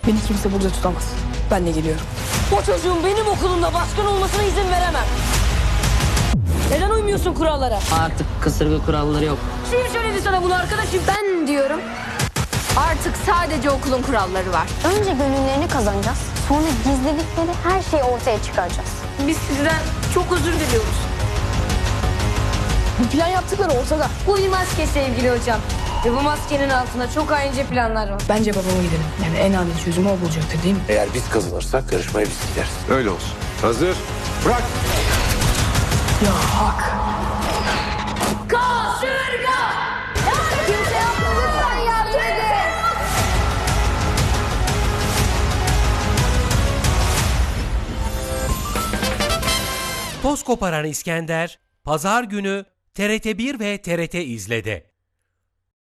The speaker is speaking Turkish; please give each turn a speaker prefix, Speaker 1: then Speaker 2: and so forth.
Speaker 1: Beni kimse burada tutamaz. Ben de geliyorum. O çocuğun benim okulumda baskın olmasına izin veremem. Neden uymuyorsun kurallara?
Speaker 2: Artık kasırga kuralları yok.
Speaker 1: Kim söyledi sana bunu arkadaşım?
Speaker 3: Ben diyorum artık sadece okulun kuralları var.
Speaker 4: Önce gönüllerini kazanacağız. Sonra gizledikleri her şeyi ortaya çıkaracağız.
Speaker 1: Biz sizden çok özür diliyoruz. Bu plan yaptıkları ortada.
Speaker 5: Bu bir maske sevgili hocam. Ve bu maskenin altında çok haince planlar var.
Speaker 1: Bence babama gidelim. Yani en adil çözümü o bulacaktır değil mi?
Speaker 6: Eğer biz kazanırsak yarışmaya biz gideriz.
Speaker 7: Öyle olsun. Hazır. Bırak.
Speaker 1: Ya hak.
Speaker 3: Kimse yapma lütfen yardım edin.
Speaker 8: Toz koparan İskender, Pazar günü TRT1 ve TRT İzle'de.